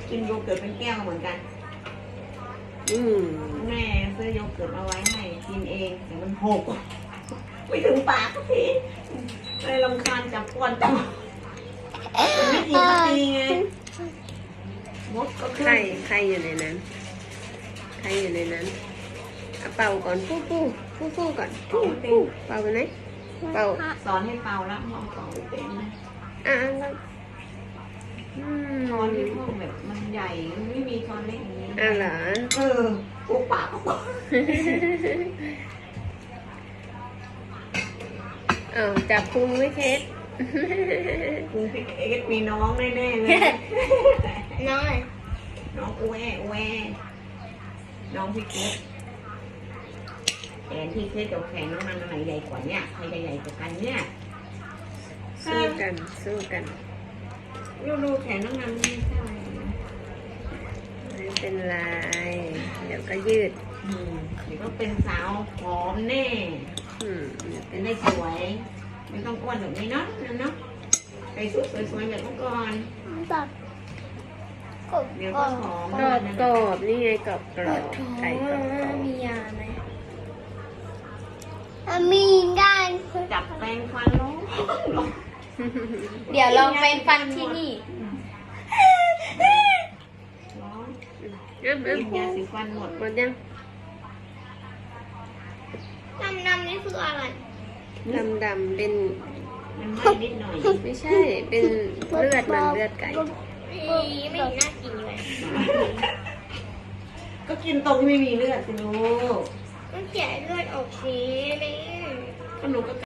กินโยเกิร์ตเป็นแก้วเหมือนกันแม่ซื้อโยเกิร์ตเอาไว้ให้กินเองแต่มันหกไม่ถึงปากสักทีเลยรำคาญจับก้อนจับมันไม่กินสักทีไงมดก็ขึ้นใครอยู่ในนั้นใครอยู่ในนั้นเป่าก่อนฟูก่อนฟูเป่าไปไหนเป่าสอนให้เป่าแล้วมองเป่าเป็นนะแล้วช้อนที่พ่อแบบมันใหญ่ไม่มีช้อนเล็กอย่างนี้เหรออุปากก็จับพุงไม่เคสพุงพี่เอ็กมีน้องแน่ๆเลยน้องอูแอน้องพี่เอ็กแต่ที่เคสกับแขนน้องมันไหนใหญ่กว่าเนี่ยใครจะใหญ่กว่ากันเนี่ยสู้กันดูแขนน้องมันไม่ใช่ไม่เป็นไรเดี๋ยวก็ยืดเดี๋ยวก็เป็นสาวผอมแน่เป็นได้สวยไม่ต้องอ้วนแบบนี้เนาะใส่ชุดสวยๆแบบเมื่อก่อนเดี๋ยวก็หอมกรอบนี่ไงกรอบไก่กรอบมียาไหมมีได้จับแปรงฟันลงเดี๋ยวลองแปรงฟันที่นี่กินยาสีฟันหมดยังดำนี่คืออะไรดำเป็นมันไหม้นิดหน่อยไม่ใช่เป็นเลือดไก่ไม่น่ากินเลยก็กินตรงที่ไม่มีเลือดสิลูกต้องแกะเลือดออกสินี่ก็หนูก็